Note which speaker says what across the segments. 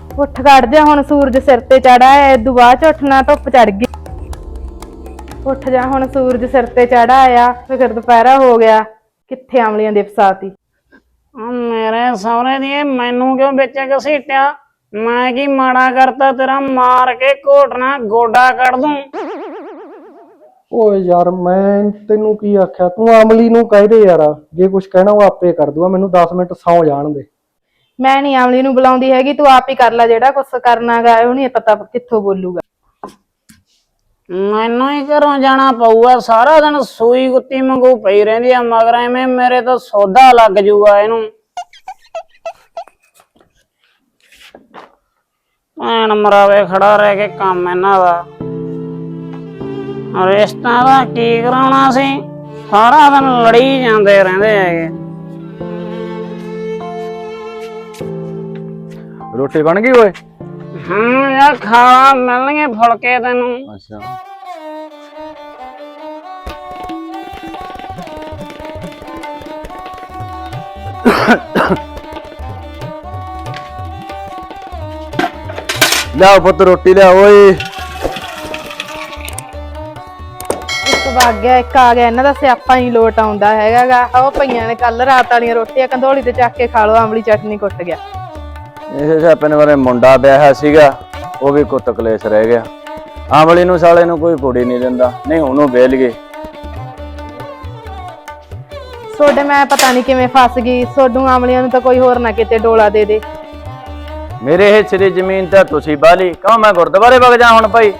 Speaker 1: ਉੱਠ ਖੜ ਜਾ, ਹੁਣ ਸੂਰਜ ਸਿਰ ਤੇ ਚੜਾ ਹੈ, ਇਦੋਂ ਬਾਅਦ ਚ ਉੱਠਣਾ ਧੁੱਪ ਚੜ ਗਈ। ਉੱਠ ਜਾ, ਹੁਣ ਸੂਰਜ ਸਿਰ ਤੇ ਚੜਾ ਆਇਆ, ਫਿਰ ਦੁਪਹਿਰਾ ਹੋ ਗਿਆ। ਕਿੱਥੇ ਅਮਲੀਆਂ ਦੀ ਫਸਾਤੀ।
Speaker 2: ਮੇਰੇ ਸਹੁਰੇ ਦੀ ਮੈਨੂੰ ਕਿਉਂ ਵਿੱਚ ਘਸੀਟਿਆ? ਮੈਂ ਕੀ ਮਾੜਾ ਕਰਤਾ ਤੇਰਾ? ਮਾਰ ਕੇ ਘੋਟਣਾ ਗੋਡਾ ਕੱਢ ਦੂੰ।
Speaker 3: ਓਏ ਯਾਰ ਮੈਂ ਤੈਨੂੰ ਕੀ ਆਖਿਆ, ਤੂੰ ਅਮਲੀ ਨੂੰ ਕਹਿ ਦੇ ਯਾਰ, ਜੇ ਕੁਝ ਕਹਿਣਾ ਉਹ ਆਪੇ ਕਰ ਦੂਗਾ। ਮੈਨੂੰ 10 ਮਿੰਟ ਸੌਂ ਜਾਣ ਦੇ।
Speaker 1: ਮੈਂ ਨੀ ਅਮਲੀ ਨੂੰ ਬੁਲਾਉਂਦੀ ਹੈਗੀ, ਤੂੰ ਆਪ ਹੀ ਕਰ ਲੈ ਜਿਹੜਾ ਕੁਛ ਕਰਨਾ ਗਾ। ਉਹ ਨੀ ਪਤਾ ਕਿੱਥੋਂ ਬੋਲੂਗਾ।
Speaker 2: ਮੈਨੂੰ ਹੀ ਘਰੋਂ ਜਾਣਾ ਪਊਗਾ। ਸਾਰਾ ਦਿਨ ਸੂਈ ਕੁੱਤੀ ਵਾਂਗੂ ਪਈ ਰਹਿੰਦੀ ਆ ਮਗਰ, ਐਵੇਂ ਮੇਰੇ ਤੋਂ ਸੌਦਾ ਲੱਗ ਜੂਗਾ ਇਹਨੂੰ। ਭੈਣ ਮਰਾਵੇ ਖੜਾ ਰਹਿ ਕੇ ਕੰਮ ਇਹਨਾਂ ਦਾ। ਰਿਸ਼ਤਾ ਦਾ ਕੀ ਕਰਾਉਣਾ ਸੀ? ਸਾਰਾ ਦਿਨ ਲੜੀ ਜਾਂਦੇ ਰਹਿੰਦੇ ਹੈਗੇ।
Speaker 4: ਰੋਟੀ ਬਣ ਗਈ ਓਏ?
Speaker 2: ਯਾਰ ਖਾਣਾ ਮਿਲਣਗੇ ਫੁਲਕੇ ਤੈਨੂੰ।
Speaker 4: ਅੱਛਾ ਲਿਆਓ ਪੁੱਤ ਰੋਟੀ ਲਿਆ ਓਏ।
Speaker 1: ਇੱਕ ਵਗ ਗਿਆ, ਇੱਕ ਆ ਗਿਆ। ਇਹਨਾਂ ਦਾ ਸਿਆਪਾ ਹੀ ਲੋਟ ਆਉਂਦਾ ਹੈਗਾ ਗਾ। ਉਹ ਪਈਆਂ ਨੇ ਕੱਲ ਰਾਤ ਵਾਲੀਆਂ ਰੋਟੀਆਂ, ਕੰਧੋਲੀ ਤੇ ਚੱਕ ਕੇ ਖਾ ਲਓ। ਅਮਲੀ ਚਟਨੀ ਕੁੱਟ ਗਿਆ।
Speaker 4: ਇਹ ਆਪਣੇ ਬਾਰੇ ਮੁੰਡਾ ਵਿਆਹਿਆ ਸੀਗਾ, ਉਹ ਵੀ ਕੁੱਤ ਕਲੇਸ਼ ਰਹਿ ਗਿਆ। ਆਮਲੀ ਨੂੰ ਸਾਲੇ ਨੂੰ ਕੋਈ ਕੁੜੀ ਨਹੀਂ ਦਿੰਦਾ, ਨਹੀਂ ਉਹਨੂੰ ਵੇਲ ਗਏ।
Speaker 1: ਸੋਡੇ ਮੈਂ ਪਤਾ ਨਹੀਂ ਕਿਵੇਂ ਫਸ ਗਈ। ਸੋਡੂ ਆਮਲੀਆਂ ਨੂੰ ਤਾਂ ਕੋਈ ਹੋਰ ਨਾ ਕਿਤੇ ਡੋਲਾ ਦੇ ਦੇ।
Speaker 4: ਮੇਰੇ ਹਿੱਸੇ ਦੀ ਜ਼ਮੀਨ ਤਾਂ ਤੁਸੀਂ ਬਾਲੀ, ਕਹੋ ਮੈਂ ਗੁਰਦੁਆਰੇ ਵਗ ਜਾ ਹੁਣ ਭਾਈ।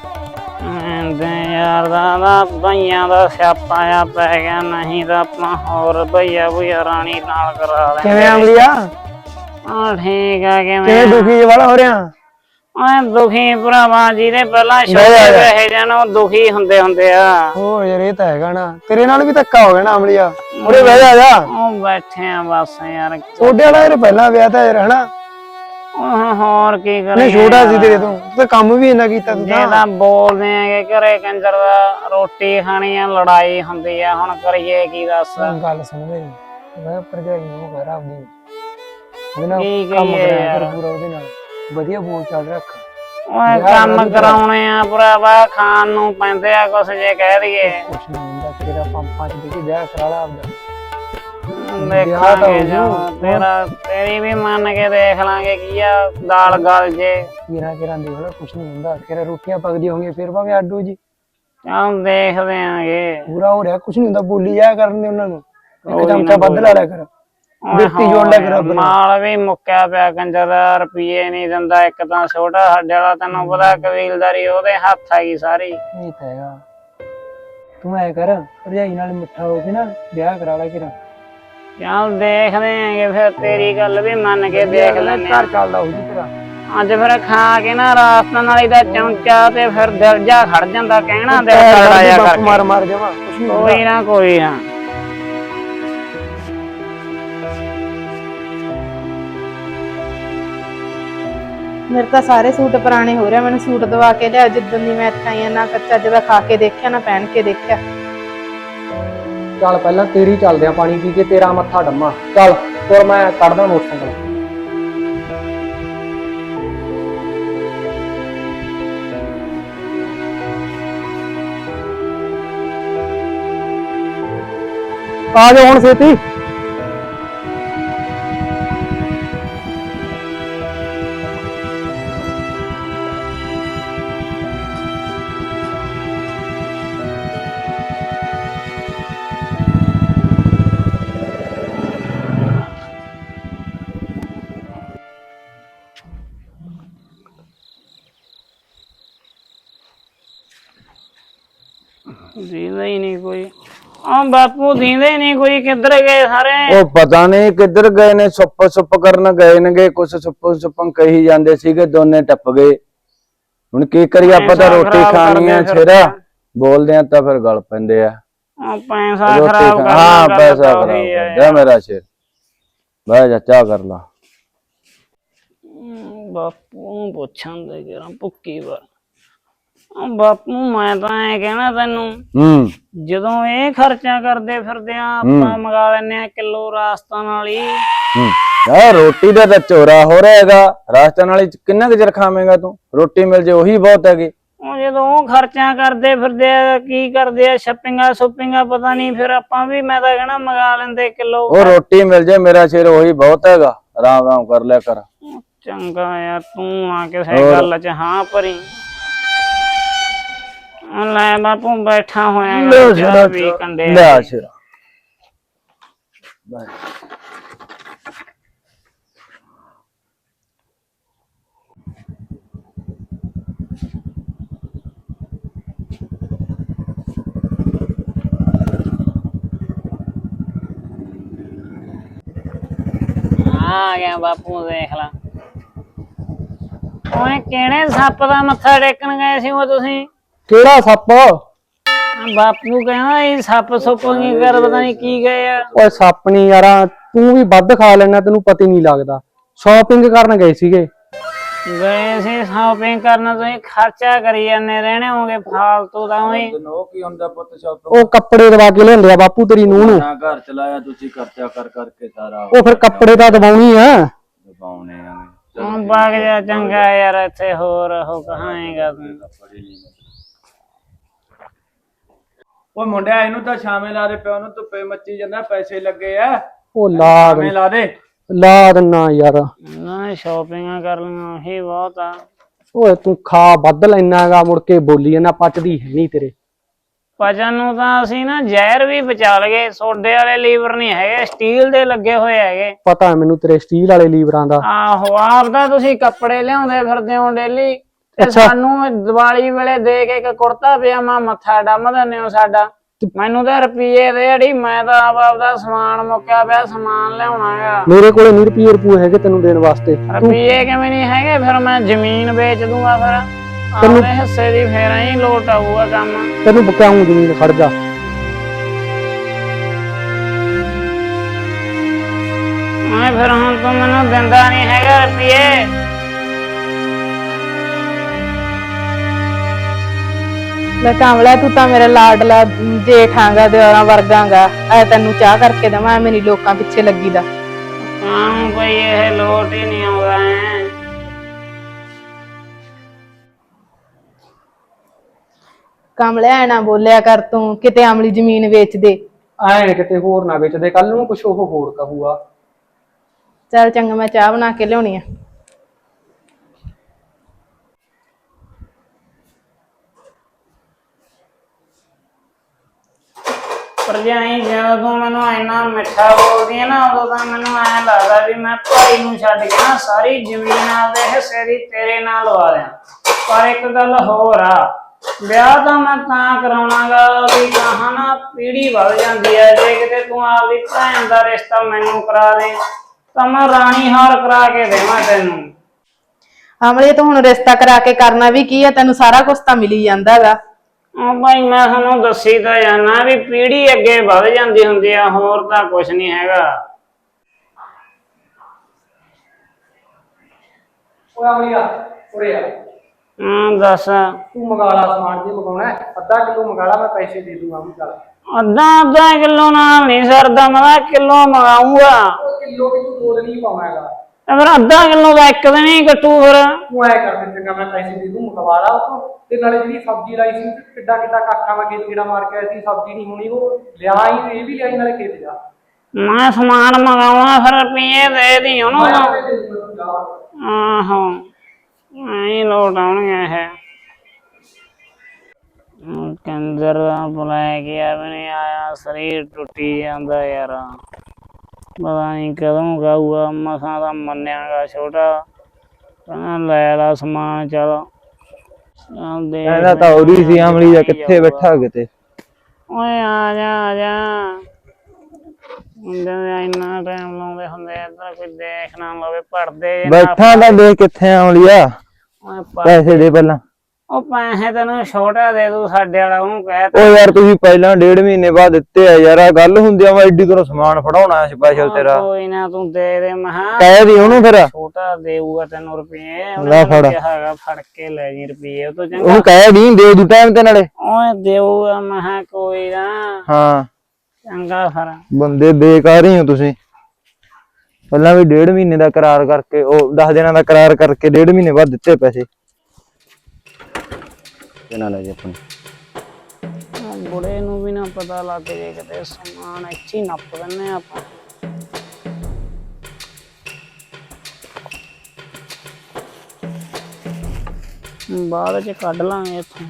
Speaker 2: ਯਾਰ ਦਾ ਭਈਆਂ ਦਾ ਸਿਆਪਾ ਆ ਪੈ ਗਿਆ, ਨਹੀਂ ਤਾਂ ਆਪਾਂ ਹੋਰ ਭਈਆ ਭਈਆ ਰਾਣੀ ਨਾਲ ਕਰਾ ਲੈ।
Speaker 3: ਕਿਵੇਂ ਅਮਲੀਆ?
Speaker 2: ਠੀਕ ਆ।
Speaker 3: ਕਿਵੇਂ ਦੁਖੀ ਵਾਲਾ ਹੋ ਰਿਹਾ?
Speaker 2: ਓਏ ਦੁਖੀ ਭਰਾਵਾ, ਜਿਹਦੇ ਪਹਿਲਾਂ ਛੋਟੇ ਰਹੇ ਜਾਣ ਉਹ ਦੁਖੀ ਹੁੰਦੇ ਆ।
Speaker 3: ਓ ਯਾਰ ਇਹ ਤਾਂ ਹੈਗਾ ਨਾ, ਤੇਰੇ ਨਾਲ ਵੀ ਧੱਕਾ ਹੋ ਗਿਆ ਨਾ ਅਮਲੀਆ। ਉਰੇ ਬਹਿ ਜਾ।
Speaker 2: ਉਹ ਬੈਠੇ ਆ ਬਸ ਯਾਰ।
Speaker 3: ਛੋਟੇ ਵਾਲਾ ਯਾਰ ਪਹਿਲਾਂ ਵਿਆਹ ਤਾਂ ਯਾਰ ਹਨਾ।
Speaker 2: ਹੋਰ ਕੀ ਕਰੀਏ?
Speaker 3: ਨਹੀਂ ਛੋਟਾ ਸੀ ਤੇਰੇ ਤੋਂ, ਤੂੰ ਕੰਮ ਵੀ ਇੰਨਾ ਕੀਤਾ ਤੂੰ
Speaker 2: ਜੇ ਤਾਂ ਬੋਲਦੇ ਆਗੇ ਘਰੇ ਕੰਜਰ ਦਾ ਰੋਟੀ ਖਾਣੀ ਆ, ਲੜਾਈ ਹੁੰਦੀ ਆ, ਹੁਣ ਕਰੀਏ ਕੀ? ਦੱਸ
Speaker 3: ਗੱਲ ਸੁਣ ਮੇਰੀ, ਮੈਂ ਭਰਜਾਈ ਨੂੰ ਘਰ ਆਪਦੀ ਉਹਦੇ ਨਾਲ
Speaker 2: ਕੀ
Speaker 3: ਕੰਮ
Speaker 2: ਕਰੀਏ
Speaker 3: ਕਰਿਆ
Speaker 2: ਯਾਰ?
Speaker 3: ਕਰ ਪੂਰਾ, ਉਹਦੇ ਨਾਲ ਵਧੀਆ ਬੋਲ ਚਾਲ ਰੱਖ।
Speaker 2: ਓਏ ਕੰਮ ਕਰਾਉਣੇ ਆ ਭਰਾਵਾ, ਖਾਣ ਨੂੰ ਪੈਂਦੇ ਆ ਕੁਛ ਜੇ ਕਹਿ ਦਈਏ।
Speaker 3: ਕੁਛ ਨਹੀਂ ਹੁੰਦਾ, ਤੇਰਾ ਪੰਪਾਂ ਚ ਦੇ ਕੇ ਵਿਆਹ ਕਰਾ ਲਾ ਆਪਦਾ।
Speaker 2: ਦੇਖਾਂਗੇ ਤੇਰਾ, ਤੇਰੀ ਵੀ ਮੰਨ ਕੇ ਦੇਖ ਲਾਂਗੇ ਕੀ ਆ ਦਾਲ ਗਲ ਜੇ।
Speaker 3: ਕਿਰਾਂ ਦੀ ਹੋਣਾ, ਕੁਛ ਨਹੀਂ ਹੁੰਦਾ। ਤੇਰਾ ਰੋਟੀਆਂ ਪੱਕਦੀਆਂ ਹੋਣਗੀਆਂ ਫਿਰ ਭਾਵੇਂ ਅੱਡੋ ਜੀ।
Speaker 2: ਚੱਲ ਦੇਖਦੇ ਆਂਗੇ।
Speaker 3: ਪੂਰਾ ਹੋ ਰਿਹਾ, ਕੁਛ ਨਹੀਂ ਹੁੰਦਾ। ਬੋਲੀ ਜਾਇਆ ਕਰਨ ਦੇ ਉਹਨਾਂ ਨੂੰ, ਇੱਕ ਚਮਚਾ ਵੱਧ ਲਾ ਲਿਆ ਕਰ, ਬਿਰਤੀ ਜੋੜ ਲਿਆ ਕਰ।
Speaker 2: ਮਾਲ ਵੀ ਮੁੱਕਿਆ ਪਿਆ ਕੰਜਰ ਦਾ, ਰੁਪਈਏ ਨਹੀਂ ਦਿੰਦਾ। ਇੱਕ ਤਾਂ ਛੋਟਾ ਸਾਡੇ ਵਾਲਾ, ਤੈਨੂੰ ਪਤਾ ਕਬੀਲਦਾਰੀ ਉਹਦੇ ਹੱਥ ਆਗੀ ਸਾਰੀ।
Speaker 3: ਇਹ ਤਾਂ ਹੈਗਾ। ਤੂੰ ਐ ਕਰ, ਭਰਜਾਈ ਨਾਲ ਮਿੱਠਾ ਹੋ ਕੇ ਨਾ ਵਿਆਹ ਕਰਾ ਲੈ ਕਿਰਾਂ।
Speaker 2: ਚੱਲ ਦੇਖਦੇ ਆਂਗੇ ਫਿਰ, ਤੇਰੀ ਗੱਲ ਵੀ ਮੰਨ ਕੇ ਦੇਖ ਲੈਨੇ।
Speaker 3: ਘਰ ਚੱਲਦਾ ਹੋ ਜੀ ਤੇਰਾ।
Speaker 2: ਅੱਜ ਫਿਰ ਖਾ ਕੇ ਨਾ ਰਾਸਤਾ ਨਾਲੀ ਦਾ ਚਮਚਾ ਤੇ ਫਿਰ ਦਿਲ ਜਾ ਖੜ ਜਾਂਦਾ, ਕਹਿਣਾ ਦਿਲ ਕਰਦਾ ਜਾ ਕਰਕੇ।
Speaker 3: ਮਾਰ ਜਾਵਾ, ਕੁਛ ਨਹੀਂ
Speaker 2: ਕੋਈ ਨਾ ਕੋਈ ਨਾ।
Speaker 1: ਮੇਰੇ ਤਾਂ ਸਾਰੇ ਸੂਟ ਪੁਰਾਣੇ ਹੋ ਰਹੇ। ਮੈਨੂੰ ਸੂਟ ਦਵਾ ਕੇ ਲਿਆ। ਜਿੱਦਣ ਦੀ ਮੈਂ ਇੱਥੇ ਆਈ ਆ, ਨਾ ਕੱਚਾ ਜਿਹਦਾ ਖਾ ਕੇ ਦੇਖਿਆ, ਨਾ ਪਹਿਨ ਕੇ ਦੇਖਿਆ।
Speaker 3: ਚੱਲ ਪਹਿਲਾਂ ਤੇਰੀ ਚੱਲਦੇ ਆ, ਪਾਣੀ ਪੀ ਕੇ ਤੇਰਾ ਮੱਥਾ ਡੰਮਾ। ਚੱਲ ਤੁਰ, ਮੈਂ ਕੱਢਦਾ ਮੋਟਰਸਾਈਕਲ। ਆ ਜਾ ਹੁਣ ਛੇਤੀ।
Speaker 2: ਦੀਂਦਾ ਹੀ ਨਹੀਂ ਕੋਈ। ਆ ਬਾਪੂ ਦੀਂਦੇ ਹੀ ਨਹੀਂ ਕੋਈ, ਕਿੱਧਰ ਗਏ ਸਾਰੇ?
Speaker 4: ਉਹ ਪਤਾ ਨਹੀਂ ਕਿੱਧਰ ਗਏ ਨੇ, ਸੁੱਪ ਕਰਨ ਗਏ ਨੇਗੇ। ਕੁਛ ਸੁੱਪਾਂ ਕਹੀ ਜਾਂਦੇ ਸੀਗੇ, ਦੋਨੇ ਟੱਪ ਗਏ। ਹੁਣ ਕੀ ਕਰੀਏ, ਆਪਾਂ ਤਾਂ ਰੋਟੀ ਖਾਣੀ ਆ। ਛੇਰਾ ਬੋਲਦੇ ਆ ਤਾਂ ਫਿਰ ਗਲ ਪੈਂਦੇ ਆ।
Speaker 2: ਪੈਸਾ ਖਰਾਬ ਕਰਨਾ।
Speaker 4: ਹਾਂ ਪੈਸਾ ਖਰਾਬ ਕਰ ਮੇਰਾ ਸ਼ੇਰ। ਬਹਿ ਜਾ, ਚਾਹ ਕਰ ਲਾ।
Speaker 2: ਬਾਪੂ ਨੂੰ ਪੁੱਛਾਂ ਦੇ ਕਿਰਾਂ ਭੁੱਕੀ ਵਾਰ। ਬਾਪੂ ਮੈਂ ਤਾਂ ਐ ਕਹਿਣਾ ਤੈਨੂੰ, ਜਦੋਂ ਇਹ ਖਰਚਾ ਕਰਦੇ ਫਿਰਦੇ ਆ, ਆਪਾਂ ਮੰਗਾ ਲੈਨੇ ਆ ਕਿਲੋ ਰਾਜਸਥਾਨ ਵਾਲੀ।
Speaker 4: ਯਾਰ ਰੋਟੀ ਦਾ ਤਾਂ ਚੋਰਾ ਹੋ ਰਿਹਾ ਹੈਗਾ। ਰਾਜਸਥਾਨ ਵਾਲੀ ਚ ਕਿੰਨਾ ਕੁ ਚਿਰ ਖਾਵੇਂਗਾ ਤੂੰ? ਰੋਟੀ ਮਿਲ ਜੇ ਉਹੀ ਬਹੁਤ ਹੈਗੀ।
Speaker 2: ਉਹ ਜਦੋਂ ਉਹ ਖਰਚਾ ਕਰਦੇ ਫਿਰਦੇ ਆ, ਕੀ ਕਰਦੇ ਆ, ਸ਼ੱਪਿੰਗਾਂ ਪਤਾ ਨਹੀਂ, ਫਿਰ ਆਪਾਂ ਵੀ ਮੈਂ ਤਾਂ ਕਹਿਣਾ ਮੰਗਾ ਲੈਂਦੇ ਕਿਲੋ।
Speaker 4: ਉਹ ਰੋਟੀ ਮਿਲ ਜੇ ਮੇਰਾ ਸਿਰ ਉਹੀ ਬਹੁਤ ਹੈਗਾ। ਆਰਾਮ ਆਰਾਮ ਕਰ ਲਿਆ ਕਰ।
Speaker 2: ਚੰਗਾ ਯਾਰ, ਤੂੰ ਆ ਕਿਸੇ ਗੱਲ ਚ ਹਾਂ ਭਰੀ। ਲੈ ਬਾਪੂ ਬੈਠਾ ਹੋਇਆ ਵੀ ਕੰਡੇ
Speaker 4: ਲੈ ਸਿਰ
Speaker 2: ਆ ਗਿਆ ਬਾਪੂ, ਦੇਖ ਲਾ। ਓਏ ਕਿਹੜੇ ਸੱਪ ਦਾ ਮੱਥਾ ਟੇਕਣ ਗਏ ਸੀ ਉਹ ਤੁਸੀਂ?
Speaker 3: ਕਿਹੜਾ ਸੱਪ?
Speaker 2: ਬਾਪੂ ਕਹਿੰਦਾ ਇਹ ਸੱਪ ਸੁੱਪ ਕੀ ਕਰ, ਪਤਾ ਨਹੀਂ ਕੀ ਗਏ ਆ।
Speaker 3: ਓਏ ਸੱਪ ਨਹੀਂ ਯਾਰਾ, ਤੂੰ ਵੀ ਵੱਧ ਖਾ ਲੈਣਾ, ਤੈਨੂੰ ਪਤਾ ਹੀ ਨਹੀਂ ਲੱਗਦਾ। ਸ਼ਾਪਿੰਗ ਕਰਨ ਗਏ ਸੀਗੇ।
Speaker 2: ਗਏ ਸੀ ਸ਼ਾਪਿੰਗ ਕਰਨ, ਤੁਸੀਂ ਖਰਚਾ ਕਰੀ ਜਾਂਦੇ ਰਹਿਣੇ ਹੋਗੇ ਫਾਲਤੂ ਦਾ। ਉਹੀ
Speaker 4: ਕੀ ਹੁੰਦਾ ਪੁੱਤ ਸ਼ਾਪਿੰਗ?
Speaker 3: ਉਹ ਕੱਪੜੇ ਦਵਾ ਕੇ ਲਿਆਂਦੇ ਆ ਬਾਪੂ ਤੇਰੀ ਨੂੰਹ ਨੂੰ।
Speaker 4: ਘਰ ਚਲਾਇਆ ਤੁਸੀਂ ਖਰਚਾ ਕਰ ਕਰਕੇ ਸਾਰਾ।
Speaker 3: ਉਹ ਫਿਰ ਕੱਪੜੇ ਤਾਂ ਦਵਾਉਣੀ ਆ।
Speaker 4: ਦਬਾਉਣੇ ਆ
Speaker 2: ਬਾਗ ਜਾ ਚੰਗਾ ਯਾਰ, ਇੱਥੇ ਹੋਰ ਉਹ ਕਹਾਂਗਾ ਤੂੰ।
Speaker 4: ਉਹ ਮੁੰਡਿਆ ਇਹਨੂੰ ਤਾਂ ਛਾਵੇਂ ਲਾ ਦੇ, ਪਿਓ ਨੂੰ ਧੁੱਪੇ ਮੱਚੀ ਜਾਂਦਾ, ਪੈਸੇ ਲੱਗੇ ਆ।
Speaker 3: ਉਹ ਲਾ
Speaker 4: ਦੇ
Speaker 3: ਲਾ ਦਿੰਨਾ ਯਾਰ।
Speaker 2: ਨਾ ਸ਼ਾਪਿੰਗਾਂ ਕਰ ਲਈਆਂ ਹੀ ਬਹੁਤ ਆ।
Speaker 3: ਓਏ ਤੂੰ ਖਾ ਵੱਧ ਲੈਣਾਗਾ, ਮੁੜ ਕੇ ਬੋਲੀ ਜਾਂਦਾ, ਪਚਦੀ ਹੈ ਨਹੀਂ ਤੇਰੇ।
Speaker 2: ਪਚਨ ਨੂੰ ਤਾਂ ਅਸੀਂ ਨਾ ਜ਼ਹਿਰ ਵੀ ਬਚਾ ਲਗੇ। ਸੋਡੇ ਵਾਲੇ ਲੀਵਰ ਨਹੀਂ ਹੈਗੇ, ਸਟੀਲ ਦੇ ਲੱਗੇ ਹੋਏ ਹੈਗੇ।
Speaker 3: ਪਤਾ ਮੈਨੂੰ ਤੇਰੇ ਸਟੀਲ ਵਾਲੇ ਲੀਵਰਾਂ ਦਾ।
Speaker 2: ਆਹੋ, ਆਪ ਤਾਂ ਤੁਸੀਂ ਕੱਪੜੇ ਲਿਆਉਂਦੇ ਫਿਰਦੇ ਹੋ ਡੇਲੀ, ਤੇ ਸਾਨੂੰ ਦੀਵਾਲੀ ਵੇਲੇ ਦੇ ਕੇ ਇੱਕ ਕੁੜਤਾ ਪਜਾਮਾ ਮੱਥਾ ਡੰਮ ਦਿੰਦੇ ਹੋ ਸਾਡਾ। ਮੈਨੂੰ ਤਾਂ ਰੁਪਈਏ ਦੇ ਅੜੀ, ਮੈਂ ਤਾਂ ਆਪਦਾ ਸਮਾਨ ਮੁੱਕਿਆ ਪਿਆ, ਸਮਾਨ ਲਿਆਉਣਾ ਹੈਗਾ।
Speaker 3: ਮੇਰੇ ਕੋਲੇ 20 ਰੁਪਏ ਰੁਪਏ ਹੈਗੇ ਤੈਨੂੰ ਦੇਣ ਵਾਸਤੇ।
Speaker 2: ਰੁਪਈਏ ਕਿਵੇਂ ਨਹੀਂ ਹੈਗੇ? ਫਿਰ ਮੈਂ ਜ਼ਮੀਨ ਵੇਚ ਦੂੰਗਾ, ਫਿਰ ਆਪਣੇ ਹਿੱਸੇ ਦੀ ਫੇਰ ਹੀ ਲੋਟ ਆਊਗਾ ਕੰਮ।
Speaker 3: ਤੈਨੂੰ ਬਕਾਉਂ ਜ਼ਮੀਨ, ਖੜ ਜਾ।
Speaker 2: ਮੈਂ ਫਿਰ ਹੁਣ ਤੂੰ ਮੈਨੂੰ ਦਿੰਦਾ ਨਹੀਂ ਹੈਗਾ ਰੁਪਈਏ।
Speaker 1: ਲੈ ਕਾਮਲਾ, ਤੂੰ ਤਾਂ ਮੇਰਾ ਲਾਡਲਾ ਜੇਠਾਂਗਾ, ਦਿਓਰਾਂ ਵਰਗਾਂਗਾ। ਐ ਤੈਨੂੰ ਚਾਹ ਕਰਕੇ ਦੇਵਾਂ, ਮੇਰੀ ਲੋਕਾਂ ਪਿੱਛੇ ਲੱਗੀ ਦਾ।
Speaker 2: ਹਾਂ ਕੋਈ ਇਹ ਲੋਟ ਹੀ ਨਹੀਂ ਆਉਂਦਾ ਹੈ।
Speaker 1: ਕਾਮਲੇ ਐ ਨਾ ਬੋਲਿਆ ਕਰ ਤੂੰ, ਕਿਤੇ ਆਮਲੀ ਜ਼ਮੀਨ ਵੇਚ ਦੇ।
Speaker 3: ਐ ਕਿਤੇ ਹੋਰ ਨਾ ਵੇਚਦੇ, ਕੱਲ ਨੂੰ ਕੁਛ ਉਹ ਹੋਰ ਕਹੂਗਾ।
Speaker 1: ਚੱਲ ਚੰਗਾ, ਮੈਂ ਚਾਹ ਬਣਾ ਕੇ ਲਿਆਉਣੀ ਆ।
Speaker 2: ਭਰਜਾਈ ਜਦੋਂ ਤੂੰ ਮੈਨੂੰ ਇੰਨਾ ਮਿੱਠਾ ਬੋਲਦੀ ਹੈ ਨਾ, ਉਦੋਂ ਤਾਂ ਮੈਨੂੰ ਐਂ ਲੱਗਦਾ ਵੀ ਮੈਂ ਭਾਈ ਨੂੰ ਛੱਡ ਕੇ ਨਾ ਸਾਰੀ ਜ਼ਮੀਨ ਆਪਦੇ ਹਿੱਸੇ ਦੀ ਤੇਰੇ ਨਾਲ ਲਵਾ ਦਿਆਂ। ਪਰ ਇੱਕ ਗੱਲ ਹੋਰ ਆ, ਵਿਆਹ ਤਾਂ ਮੈਂ ਤਾਂ ਕਰਾਉਣਾਗਾ ਵੀ ਕਹਾਂ ਨਾ ਪੀੜੀ ਵੱਧ ਜਾਂਦੀ ਹੈ। ਜੇ ਕਿਤੇ ਤੂੰ ਆਪਦੀ ਭੈਣ ਦਾ ਰਿਸ਼ਤਾ ਮੈਨੂੰ ਕਰਾ ਦੇ ਤਾਂ ਮੈਂ ਰਾਣੀ ਹਾਰ ਕਰਾ ਕੇ ਦੇਵਾਂ ਤੈਨੂੰ।
Speaker 1: ਆਮਲੇ, ਤੂੰ ਹੁਣ ਰਿਸ਼ਤਾ ਕਰਾ ਕੇ ਕਰਨਾ ਵੀ ਕੀ ਆ? ਤੈਨੂੰ ਸਾਰਾ ਕੁਝ ਤਾਂ ਮਿਲੀ ਜਾਂਦਾ ਹੈਗਾ।
Speaker 2: ਭਾਈ ਮੈਂ ਤੁਹਾਨੂੰ ਦੱਸੀ ਤਾਂ ਜਾਣਾ ਵੀ ਪੀੜੀ ਅੱਗੇ ਵੱਧ ਜਾਂਦੀ ਹੁੰਦੀ ਆ, ਹੋਰ ਤਾਂ ਕੁਛ ਨਹੀਂ ਹੈਗਾ।
Speaker 3: ਓਏ ਅਮਲੀਆ, ਉਰੇ ਆ।
Speaker 2: ਦੱਸ।
Speaker 3: ਤੂੰ ਮੰਗਾ ਲਾ ਸਮਾਨ, ਜੇ ਮੰਗਾਉਣਾ ਅੱਧਾ ਕਿਲੋ ਮੰਗਾ ਲਾ, ਮੈਂ ਪੈਸੇ ਦੇ ਦੂੰਗਾ। ਵੀ ਚੱਲ
Speaker 2: ਅੱਧਾ ਕਿਲੋ ਨਾਲ ਨਹੀਂ ਸਰਦਾ, ਮੈਂ ਕਿਲੋ ਮੰਗਾਉਂਗਾ।
Speaker 3: ਕਿਲੋ ਵੀ ਤੂੰ 2 ਦਿਨ ਹੀ ਪਾਉਣਾ ਹੈਗਾ।
Speaker 2: ਫਿਰ ਅੱਧਾ ਕਿਲੋ ਦਾ ਇੱਕ ਦਿਨ ਹੀ ਕੱਟੂ। ਫਿਰ
Speaker 3: ਤੂੰ ਐ ਕਰ ਦੇ, ਚੰਗਾ ਮੈਂ ਪੈਸੇ ਦੇ ਦੂੰ, ਮੰਗਵਾ ਲਾ ਉਤੋਂ। ਤੇ ਨਾਲੇ ਜਿਹੜੀ ਸਬਜ਼ੀ ਲਾਈ ਸੀ, ਕਿੱਡਾ ਕਾਖਾ ਮੈਂ ਖੇਤ ਗੇੜਾ ਮਾਰ ਕੇ ਆਈ ਸੀ, ਸਬਜ਼ੀ ਨਹੀਂ ਹੋਣੀ, ਉਹ ਲਿਆ ਹੀ, ਇਹ ਵੀ ਲਿਆਈ, ਨਾਲੇ ਖੇਤ ਜਾ।
Speaker 2: ਮੈਂ ਸਮਾਨ ਮੰਗਾਉਣਾ, ਫਿਰ ਰੁਪਈਏ ਦੇ ਦੀ ਉਹਨੂੰ। ਆਹੋ ਐਂ ਲੋਟ ਆਉਣਗੇ ਇਹ। ਕੰਜਰ ਬੁਲਾਇਆ ਗਿਆ ਵੀ ਨਹੀਂ ਆਇਆ, ਸਰੀਰ ਟੁੱਟੀ ਜਾਂਦਾ ਯਾਰ। ਪਤਾ ਨਹੀਂ ਕਦੋਂ ਗਾਊਗਾ, ਮਸਾਂ ਦਾ ਮੰਨਿਆਗਾ ਛੋਟਾ। ਕਹਿੰਦਾ ਲੈ ਲਾ ਸਮਾਨ, ਚੱਲ
Speaker 4: ਕਹਿੰਦਾ ਤਾਂ ਉਹਦੀ ਸੀ ਅਮਲੀ ਦਾ, ਕਿੱਥੇ ਬੈਠਾ ਕਿਤੇ।
Speaker 2: ਓਏ ਆ ਜਾ ਮੁੰਡੇ ਇੰਨਾ ਟਾਈਮ ਲਾਉਂਦੇ ਹੁੰਦੇ, ਇੱਧਰ ਕੋਈ ਦੇਖ ਨਾ ਲਵੇ, ਪੜਦੇ
Speaker 4: ਬੈਠਾ ਤਾਂ ਦੇਖ ਕਿੱਥੇ ਅਮਲੀਆ। ਪੈਸੇ ਦੇ ਪਹਿਲਾਂ।
Speaker 2: ਉਹ ਪੈਸੇ ਤੈਨੂੰ ਛੋਟਾ ਦੇ ਦੂ, ਸਾਡੇ ਵਾਲਾ ਉਹਨੂੰ ਕਹਿ।
Speaker 4: ਉਹ ਯਾਰ ਤੁਸੀਂ ਪਹਿਲਾਂ 1.5 ਮਹੀਨੇ ਬਾਅਦ ਦਿੱਤੇ ਆ ਯਾਰ, ਆ ਗੱਲ ਹੁੰਦੀ ਆ। ਮੈਂ ਐਡੀ ਦੂਰੋਂ ਸਮਾਨ ਫੜਾਉਣਾ ਸਪੈਸ਼ਲ ਤੇਰਾ।
Speaker 2: ਕੋਈ ਨਾ ਤੂੰ ਦੇ ਦੇ, ਮਹਾ
Speaker 4: ਕਹਿ ਦੀ ਉਹਨੂੰ ਫਿਰ।
Speaker 2: ਛੋਟਾ ਦੇਊਗਾ ਤੈਨੂੰ ਰੁਪਏ,
Speaker 4: ਲੈ ਫੜ।
Speaker 2: ਹੈਗਾ ਫੜ ਕੇ ਲੈ ਜੀ ਰੁਪਏ ਉਹ ਤੋਂ ਚੰਗਾ।
Speaker 4: ਉਹਨੂੰ ਕਹਿ ਦੀ ਦੇ ਦੂ ਟਾਈਮ ਤੇ ਨਾਲੇ।
Speaker 2: ਓਏ ਦੇਊਗਾ, ਮਹਾ ਕੋਈ ਨਾ।
Speaker 4: ਹਾਂ
Speaker 2: ਚੰਗਾ ਫਿਰ।
Speaker 4: ਬੰਦੇ ਬੇਕਾਰ ਹੀ ਹੋ ਤੁਸੀਂ।
Speaker 5: ਪਹਿਲਾਂ ਵੀ 1.5 ਮਹੀਨੇ ਦਾ ਕਰਾਰ ਕਰਕੇ ਉਹ 10 ਦਿਨਾਂ ਦਾ ਕਰਾਰ ਕਰਕੇ 1.5 ਮਹੀਨੇ ਬਾਅਦ ਦਿੱਤੇ ਪੈਸੇ
Speaker 4: ਇਹਨਾਂ ਲੈ ਜੀ ਆਪਣੀ
Speaker 2: ਬੁੜੇ ਨੂੰ ਵੀ ਨਾ ਪਤਾ ਲੱਗ ਜੇ ਕਿਤੇ ਸਮਾਨ ਇੱਥੇ ਹੀ ਨੱਪ ਦਿੰਨੇ ਆਪਾਂ। ਬਾਅਦ ਚ ਕੱਢ ਲਾਂਗੇ ਇੱਥੋਂ।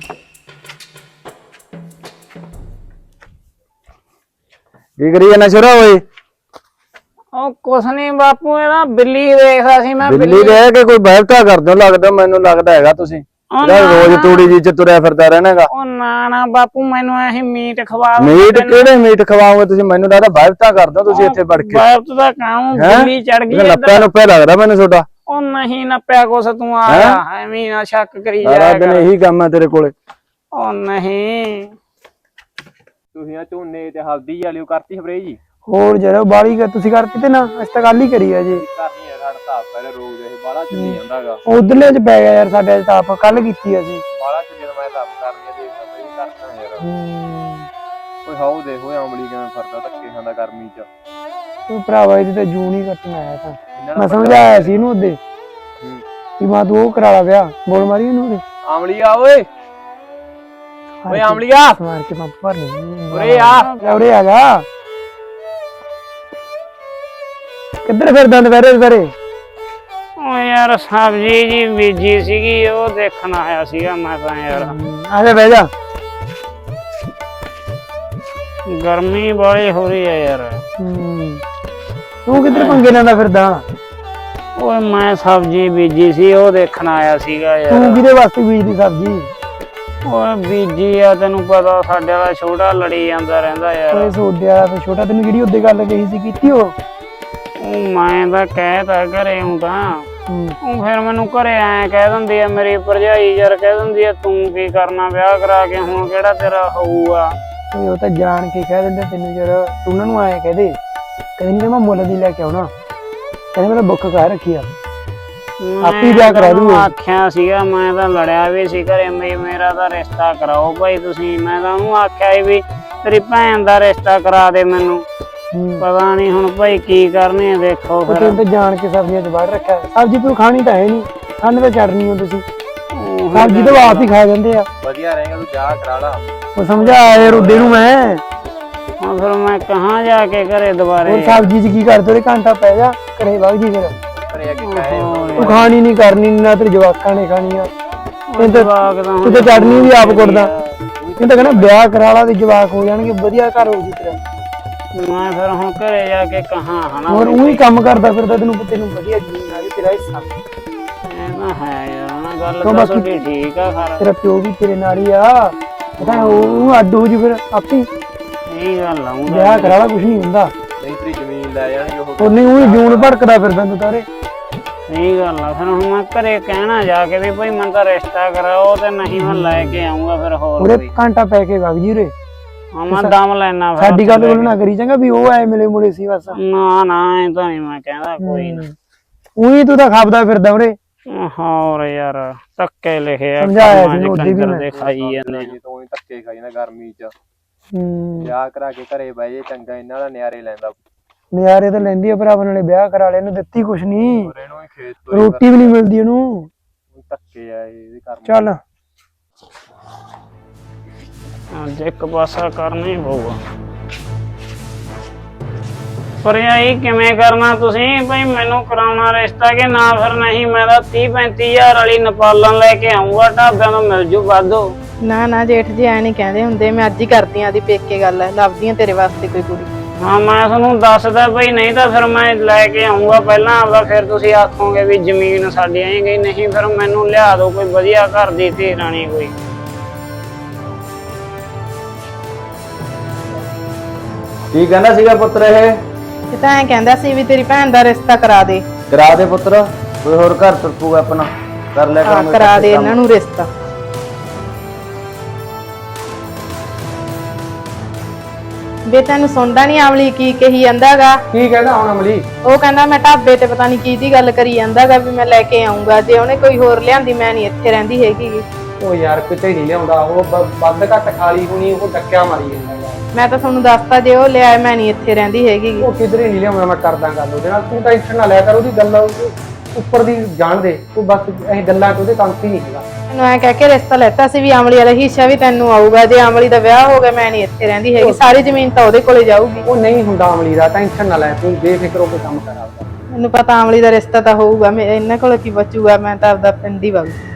Speaker 4: ਕੀ ਕਰੀ ਜਾਣਾ ਛੋਰਾ ਓਏ?
Speaker 2: ਉਹ ਕੁਛ ਨੀ ਬਾਪੂ, ਇਹਦਾ ਬਿੱਲੀ ਦੇਖਦਾ ਸੀ ਮੈਂ।
Speaker 4: ਬਿੱਲੀ ਰਹਿ ਕੇ ਕੋਈ ਬਹਿਬਤਾ ਕਰਦੇ ਹੋ ਲੱਗਦਾ, ਮੈਨੂੰ ਲੱਗਦਾ ਹੈਗਾ ਤੁਸੀਂ ਰੋਜ਼ ਤੂੜੀ ਜੀ ਚ ਤੁਰਿਆ ਫਿਰਦਾ ਰਹਿਣਾਗਾ।
Speaker 2: ਉਹ ਨਾ ਬਾਪੂ, ਮੈਨੂੰ ਐਹੀ ਮੀਟ ਖਵਾ ਦਿਓ।
Speaker 4: ਮੀਟ ਕਿਹੜੇ ਮੀਟ ਖਵਾਓਗੇ ਤੁਸੀਂ? ਮੈਨੂੰ ਲੱਗਦਾ ਬਹਿਬਤਾ ਕਰਦੇ ਹੋ ਤੁਸੀਂ ਇੱਥੇ ਵੜ ਕੇ।
Speaker 2: ਬਾਪ ਦਾ ਕੰਮ ਬਿੱਲੀ ਚੜ ਗਈ
Speaker 4: ਨੱਪਿਆ ਨੁੱਪਿਆ ਲੱਗਦਾ ਮੈਨੂੰ ਤੁਹਾਡਾ।
Speaker 2: ਉਹ ਨਹੀਂ ਨੱਪਿਆ ਕੁਛ, ਤੂੰ ਆਇਆ ਐਵੇਂ ਨਾ ਸ਼ੱਕ ਕਰੀ
Speaker 4: ਸਾਰਾ
Speaker 2: ਜਾਇਆ
Speaker 4: ਦਿਨ
Speaker 2: ਕਰ।
Speaker 4: ਇਹੀ ਕੰਮ ਹੈ ਤੇਰੇ ਕੋਲੇ।
Speaker 2: ਉਹ ਨਹੀਂ
Speaker 5: ਤੁਸੀਂ ਆ ਝੋਨੇ ਤੇ ਹਲਦੀ ਵਾਲੀ ਉਹ ਕਰਤੀ ਸਪਰੇ ਜੀ?
Speaker 3: ਹੋਰ ਜਰਾ ਬਾਲੀ ਤੁਸੀਂ ਕਰਤੀ ਤੇ ਨਾ ਅਸੀਂ ਤਾਂ ਗੱਲ ਹੀ ਕਰੀ ਆ ਜੀ।
Speaker 5: ਕਰਨੀ ਆ, ਸਾਡਾ ਤਾਂ ਪਹਿਲੇ ਰੋਗ ਦੇ ਬਾਲਾ ਚੱਲੀ ਜਾਂਦਾਗਾ।
Speaker 3: ਉਧਰਲੇ ਚ ਪੈ ਗਿਆ ਯਾਰ, ਸਾਡੇ ਤਾਂ ਆਪ ਕੱਲ ਕੀਤੀ ਅਸੀਂ।
Speaker 5: ਬਾਲਾ ਚੱਲੀ ਜਦੋਂ ਮੈਂ ਤਾਂ ਆਪ ਕਰਨੀ ਆ, ਦੇਖਦਾ ਮੈਂ ਵੀ ਕਰਦਾ ਯਾਰ। ਓਏ ਹਾਉ ਦੇਖੋ ਅਮਲੀ ਕਿਵੇਂ ਫਿਰਦਾ ਧੱਕੇ ਖਾਂਦਾ ਗਰਮੀ ਚ।
Speaker 3: ਤੂੰ ਭਰਾਵਾ ਇਹਦੀ ਤਾਂ ਜੂਨ ਹੀ ਕੱਟਣ ਆਇਆ ਤਾਂ। ਮੈਂ ਸਮਝਾਇਆ ਸੀ ਇਹਨੂੰ ਉਹਦੇ ਕਿ ਮਾਂ ਤੂੰ ਉਹ ਕਰਾ ਲਾ ਵਿਆਹ, ਬੋਲ ਮਾਰੀ ਇਹਨੂੰ ਉਹਦੇ।
Speaker 5: ਅਮਲੀ ਆ ਓਏ, ਓਏ ਅਮਲੀਆ
Speaker 3: ਮਾਰ ਕੇ ਪੰਪ ਭਰ ਨਹੀਂ।
Speaker 5: ਉਰੇ ਆ,
Speaker 3: ਉਰੇ ਆ ਜਾ। ਕਿੱਧਰ ਫਿਰਦਾ ਦੁਪਹਿਰੇ?
Speaker 2: ਉਹ ਯਾਰ ਸਬਜ਼ੀ ਜੀ ਬੀਜੀ ਸੀਗੀ, ਉਹ ਦੇਖਣ ਆਇਆ ਸੀਗਾ ਮੈਂ ਤਾਂ ਯਾਰ।
Speaker 3: ਆ ਜਾ ਬਹਿ ਜਾ।
Speaker 2: ਗਰਮੀ ਬੜੀ ਹੋ ਰਹੀ ਹੈ ਯਾਰ।
Speaker 3: ਤੂੰ ਕਿੱਧਰ ਪੰਗੇ ਲੈਂਦਾ ਫਿਰਦਾ?
Speaker 2: ਓਏ ਮੈਂ ਸਬਜ਼ੀ ਬੀਜੀ ਸੀ, ਉਹ ਦੇਖਣ ਆਇਆ ਸੀਗਾ ਯਾਰ।
Speaker 3: ਤੂੰ ਕਿਹਦੇ ਵਾਸਤੇ ਬੀਜਦੀ ਸਬਜ਼ੀ?
Speaker 2: ਓਏ ਬੀਜੀ ਆ, ਤੈਨੂੰ ਪਤਾ ਸਾਡੇ ਵਾਲਾ ਛੋਟਾ ਲੜੀ ਜਾਂਦਾ ਰਹਿੰਦਾ ਯਾਰ।
Speaker 3: ਓਏ ਸੋਡੇ ਵਾਲਾ ਤਾਂ ਛੋਟਾ, ਤੈਨੂੰ ਜਿਹੜੀ ਉਹਦੇ ਗੱਲ ਕਹੀ ਸੀ ਕੀਤੀ ਉਹ
Speaker 2: ਮੈਂ ਤਾਂ ਕਹਿਤਾ ਘਰੇ ਹੂੰ ਤਾਂ। ਉਹ ਫਿਰ ਮੈਨੂੰ ਘਰੇ ਐ ਕਹਿ ਦਿੰਦੀ ਆ ਮੇਰੀ ਭਰਜਾਈ, ਯਾਰ ਕਹਿ ਦਿੰਦੀ ਆ ਤੂੰ ਕੀ ਕਰਨਾ ਵਿਆਹ ਕਰਾ ਕੇ, ਹੁਣ ਕਿਹੜਾ ਤੇਰਾ ਹੋਊਗਾ।
Speaker 3: ਓਏ ਉਹ ਤਾਂ ਜਾਣ ਕੇ ਕਹਿ ਦਿੰਦੇ ਤੈਨੂੰ ਯਾਰ। ਤੂੰ ਉਹਨਾਂ ਨੂੰ ਆਏ ਕਹਦੇ ਕਹਿੰਦੇ ਮੈਂ ਮੁੱਲ ਦੀ ਲੈ ਕੇ ਆਉਣਾ, ਕਹਿੰਦੇ ਮੈਂ ਤਾਂ ਬੁੱਕ ਕਰ ਰੱਖੀ ਆ, ਆਪੀ ਵਿਆਹ ਕਰਾ ਦੂੰਗਾ।
Speaker 2: ਆਖਿਆ ਸੀਗਾ, ਮੈਂ ਤਾਂ ਲੜਿਆ ਵੀ ਸੀ ਘਰੇ ਮੇਰਾ ਤਾਂ ਰਿਸ਼ਤਾ ਕਰਾਓ ਭਾਈ ਤੁਸੀਂ। ਮੈਂ ਤਾਂ ਉਹਨੂੰ ਆਖਿਆ ਵੀ ਤੇਰੀ ਭੈਣ ਦਾ ਰਿਸ਼ਤਾ ਕਰਾ ਦੇ ਮੈਨੂੰ। ਪਤਾ ਨਹੀਂ ਹੁਣ ਭਾਈ ਕੀ ਕਰਨੇ ਆ, ਦੇਖੋ ਫਿਰ।
Speaker 3: ਤੂੰ ਤਾਂ ਜਾਣ ਕੇ ਸਬਜ਼ੀਆਂ ਚ ਬਾਹਰ ਰੱਖਿਆ। ਸਬਜ਼ੀ ਤੂੰ ਖਾਣੀ ਤਾਂ ਹੈ ਨਹੀਂ, ਖਾਣੇ ਤਾਂ ਚੜਨੀ ਹੋ ਤੁਸੀਂ। ਸਬਜ਼ੀ ਤਾਂ ਆਪ ਹੀ ਖਾ ਜਾਂਦੇ ਆ।
Speaker 5: ਵਧੀਆ ਰਹੇਗਾ, ਤੂੰ ਜਾ ਕਰਾ ਲਾ।
Speaker 3: ਉਹ ਸਮਝਾ ਯਾਰ ਉਹਦੇ ਨੂੰ ਮੈਂ।
Speaker 2: ਹੁਣ ਫਿਰ ਮੈਂ ਕਹਾਂ ਜਾ ਕੇ ਘਰੇ ਦੁਬਾਰੇ।
Speaker 3: ਹੋਰ ਸਬਜ਼ੀ ਚ ਕੀ ਕਰਦੇ? ਉਹਦੇ ਘੰਟਾ ਪੈ ਜਾ ਘਰੇ ਵਗ ਜੀ। ਫਿਰ
Speaker 5: ਘਰੇ ਆ ਕੇ ਕਹੇ
Speaker 3: ਤੂੰ ਖਾਣੀ ਨਹੀਂ ਕਰਨੀ ਨਾ, ਤੇਰੇ ਜਵਾਕਾਂ ਨੇ ਖਾਣੀ ਆ।
Speaker 2: ਜਵਾਕ ਤਾਂ
Speaker 3: ਤੂੰ ਤਾਂ ਚਟਨੀ ਵੀ ਆਪ ਕੁੱਟਦਾ। ਇਹ ਤਾਂ ਕਹਿੰਦਾ ਵਿਆਹ ਕਰਾ ਲਾ ਤੇ ਜਵਾਕ ਹੋ ਜਾਣਗੇ, ਵਧੀਆ ਘਰ ਹੋ ਜੂ ਤੇਰਾ।
Speaker 2: ਮੈਂ ਫਿਰ ਹੁਣ ਘਰੇ ਜਾ ਕੇ ਕਹਾਂ ਹਨਾ।
Speaker 3: ਹੋਰ ਉਹੀ ਕੰਮ ਕਰਦਾ ਫਿਰਦਾ, ਤੈਨੂੰ ਵਧੀਆ ਜ਼ਮੀਨ ਆ ਗਈ, ਤੇਰਾ ਹਿੱਸਾ।
Speaker 2: ਇਹ ਤਾਂ ਹੈ ਯਾਰ, ਨਾ ਗੱਲ ਤਾਂ ਤੁਹਾਡੀ ਠੀਕ ਆ ਖਰ।
Speaker 3: ਤੇਰਾ ਪਿਓ ਵੀ ਤੇਰੇ ਨਾਲ ਹੀ ਆ, ਪਤਾ ਉਹ ਅੱਡ ਹੋ ਜੂ ਫਿਰ ਆਪੇ।
Speaker 2: ਇਹ ਗੱਲ ਆਉਂਦਾ
Speaker 3: ਵਿਆਹ ਕਰਾ ਲਾ, ਕੁਛ ਨਹੀਂ ਹੁੰਦਾ।
Speaker 5: ਨਹੀਂ ਤੇਰੀ ਜ਼ਮੀਨ ਲੈ ਜਾਣਗੇ ਉਹ।
Speaker 3: ਉਹਨੇ ਉਹੀ ਜੂਨ ਭੜਕਦਾ ਫਿਰਦਾ ਤੂੰ ਤਾਰੇ।
Speaker 2: ਸਹੀ ਗੱਲ ਆ। ਫਿਰ ਹੁਣ ਮੈਂ ਘਰੇ ਕਹਿਣਾ ਜਾ ਕੇ ਵੀ ਭਾਈ ਮੈਨੂੰ ਤਾਂ ਰਿਸ਼ਤਾ ਕਰਾਓ, ਤੇ ਨਹੀਂ ਮੈਂ ਲੈ ਕੇ ਆਉਂਗਾ ਫਿਰ ਹੋਰ
Speaker 3: ਉਹਦੇ
Speaker 2: ਕੋਈ।
Speaker 3: ਘੰਟਾ ਪੈ ਕੇ ਵਗ ਜੀ ਉਰੇ।
Speaker 2: ਮੈਂ ਦਮ ਲੈਣਾ ਫਿਰ।
Speaker 3: ਸਾਡੀ ਗੱਲ ਕੋਲ ਨਾ ਕਰੀ ਚੰਗਾ ਵੀ ਉਹ ਐ ਮਿਲੇ ਮੁਲੇ ਸੀ ਬਸ।
Speaker 2: ਨਾ ਨਾ ਐ ਤਾਂ ਨਹੀਂ ਮੈਂ ਕਹਿੰਦਾ ਕੋਈ ਨਾ।
Speaker 3: ਉਹੀ ਤੂੰ ਤਾਂ ਖਾਪਦਾ ਫਿਰਦਾ ਉਰੇ।
Speaker 2: ਹੋਰ ਯਾਰ ਧੱਕੇ ਲਿਖਿਆ
Speaker 3: ਸਮਝਾਇਆ ਸੀ ਉਹਦੇ ਵੀ ਮੈਂ।
Speaker 2: ਦੇ ਖਾਈ ਜਾਂਦੇ
Speaker 5: ਜੀ ਤੂੰ ਹੀ ਧੱਕੇ ਖਾਈ ਜਾਂਦਾ ਗਰਮੀ ਚ। ਵਿਆਹ ਕਰਾ ਕੇ ਘਰੇ ਬਹਿ ਜੇ ਚੰਗਾ, ਇਹਨਾਂ ਦਾ ਨਿਆਰੇ ਲੈਂਦਾ।
Speaker 3: ਨਜ਼ਾਰੇ ਤਾਂ ਲੈਂਦੀ ਆ ਭਰਾਵਾਂ ਨਾਲੇ, ਵਿਆਹ ਕਰਾ ਲਿਆ, ਇਹਨੂੰ ਦਿੱਤੀ ਕੁਛ ਨਹੀਂ,
Speaker 5: ਇਹਨੂੰ ਹੀ ਖੇਤ ਤੋਂ
Speaker 3: ਰੋਟੀ ਵੀ ਨਹੀਂ ਮਿਲਦੀ ਇਹਨੂੰ।
Speaker 5: ਧੱਕੇ ਆ ਇਹਦੇ ਕਰਮ।
Speaker 3: ਚੱਲ
Speaker 2: ਅੱਜ ਇੱਕ ਪਾਸਾ ਕਰਨਾ ਹੀ ਪਊਗਾ। ਪਰ ਇਹ ਕਿਵੇਂ ਕਰਨਾ ਤੁਸੀਂ ਭਾਈ? ਮੈਨੂੰ ਕਰਾਉਣਾ ਰਿਸ਼ਤਾ ਕਿ ਨਾ? ਫਿਰ ਨਹੀਂ ਮੈਂ ਤਾਂ 30-35 ਵਾਲੀ ਨੇਪਾਲਨ ਲੈ ਕੇ ਆਉਂਗਾ, ਢਾਬਿਆਂ ਤੋਂ ਮਿਲ ਜੂ ਵਾਧੂ।
Speaker 1: ਨਾ ਨਾ ਜੇਠ ਜੀ ਐ ਨਹੀਂ ਕਹਿੰਦੇ ਹੁੰਦੇ, ਮੈਂ ਅੱਜ ਹੀ ਕਰਦੀ ਆਂ ਦੀ ਪੇਕੇ ਗੱਲ, ਲੱਭਦੀ ਆਂ ਤੇਰੇ ਵਾਸਤੇ ਕੋਈ ਕੁੜੀ।
Speaker 2: ਹਾਂ ਮੈਂ ਤੁਹਾਨੂੰ ਦੱਸਦਾ ਭਾਈ, ਨਹੀਂ ਤਾਂ ਫਿਰ ਮੈਂ ਲੈ ਕੇ ਆਉਂਗਾ ਪਹਿਲਾਂ ਆਪਦਾ, ਫਿਰ ਤੁਸੀਂ ਆਖੋਗੇ ਵੀ ਜ਼ਮੀਨ ਸਾਡੀ ਆਈ ਗਈ। ਨਹੀਂ ਫਿਰ ਮੈਨੂੰ ਲਿਆ ਦਿਓ ਕੋਈ ਵਧੀਆ ਘਰ ਦੀ ਧੀ ਰਾਣੀ ਕੋਈ।
Speaker 4: ਕੀ ਕਹਿੰਦਾ ਸੀਗਾ ਪੁੱਤਰ? ਇਹ
Speaker 1: ਤਾਂ ਐ ਕਹਿੰਦਾ ਸੀ ਵੀ ਤੇਰੀ ਭੈਣ ਦਾ ਰਿਸ਼ਤਾ ਕਰਾ ਦੇ।
Speaker 4: ਕਰਾ ਦੇ ਪੁੱਤਰ, ਕੋਈ ਹੋਰ ਘਰ ਤੁਰਪੂਗਾ ਆਪਣਾ, ਕਰ ਲਿਆ ਕਰਾਂਗੇ।
Speaker 1: ਕਰਾ ਦੇ ਇਹਨਾਂ ਨੂੰ ਰਿਸ਼ਤਾ। ਵੇ ਤੈਨੂੰ ਸੁਣਦਾ ਨਹੀਂ ਆਵਲੀ ਕੀ ਕਹੀ ਜਾਂਦਾਗਾ?
Speaker 3: ਕੀ ਕਹਿੰਦਾ ਹੁਣ ਅਮਲੀ?
Speaker 1: ਉਹ ਕਹਿੰਦਾ ਮੈਂ ਢਾਬੇ ਤੇ ਪਤਾ ਨਹੀਂ ਕੀ ਦੀ ਗੱਲ ਕਰੀ ਜਾਂਦਾਗਾ ਵੀ ਮੈਂ ਲੈ ਕੇ ਆਉਂਗਾ, ਜੇ ਉਹਨੇ ਕੋਈ ਹੋਰ ਲਿਆਂਦੀ ਮੈਂ ਨਹੀਂ ਇੱਥੇ ਰਹਿੰਦੀ ਹੈਗੀ।
Speaker 3: ਉਹ ਯਾਰ ਕਿਤੇ ਨਹੀਂ ਲਿਆਉਂਦਾ, ਉਹ ਵੱਧ ਘੱਟ ਖਾਲੀ ਹੋਣੀ, ਉਹ ਡੱਕਿਆ ਮਾਰੀ ਜਾਂਦਾ।
Speaker 1: ਮੈਂ ਤਾਂ ਤੁਹਾਨੂੰ ਦੱਸਤਾ ਜੇ ਉਹ ਲਿਆਏ ਮੈਂ ਨਹੀਂ ਇੱਥੇ ਰਹਿੰਦੀ ਹੈਗੀ ਗੀ।
Speaker 3: ਉਹ ਕਿਧਰੇ ਨਹੀਂ ਲਿਆਉਣਾ, ਮੈਂ ਕਰਦਾ ਗੱਲ ਉਹਦੇ ਨਾਲ, ਤੂੰ ਟੈਨਸ਼ਨ ਨਾ ਲਿਆ ਕਰ, ਉਹਦੀ ਗੱਲ ਉੱਪਰ ਦੀ ਜਾਣ ਦੇ ਤੂੰ, ਬਸ ਇਹ ਗੱਲਾਂ ਚ ਉਹਦੇ ਕੰਮ ਹੀ ਨਹੀਂ ਹੈਗਾ।
Speaker 1: ਮੈਨੂੰ ਐ ਕਹਿ ਕੇ ਰਿਸ਼ਤਾ ਲੈਤਾ ਸੀ ਵੀ ਅਮਲੀ ਵਾਲਾ ਹਿੱਸਾ ਵੀ ਤੈਨੂੰ ਆਊਗਾ, ਜੇ ਅਮਲੀ ਦਾ ਵਿਆਹ ਹੋ ਗਿਆ ਮੈਂ ਨਹੀਂ ਇੱਥੇ ਰਹਿੰਦੀ ਹੈਗੀ, ਸਾਰੀ ਜ਼ਮੀਨ ਤਾਂ ਉਹਦੇ ਕੋਲੇ ਜਾਊਗੀ।
Speaker 3: ਉਹ ਨਹੀਂ ਹੁੰਦਾ ਅਮਲੀ ਦਾ, ਟੈਨਸ਼ਨ ਨਾ ਲੈ ਤੂੰ, ਬੇਫਿਕਰ ਹੋ ਕੇ ਕੰਮ ਕਰ ਆਪਦਾ।
Speaker 1: ਮੈਨੂੰ ਪਤਾ ਅਮਲੀ ਦਾ ਰਿਸ਼ਤਾ ਤਾਂ ਹੋਊਗਾ, ਇਹਨਾਂ ਕੋਲ ਕੀ ਬਚੂਗਾ, ਮੈਂ ਤਾਂ ਆਪਦਾ ਪਿੰਡ ਹੀ ਵਗ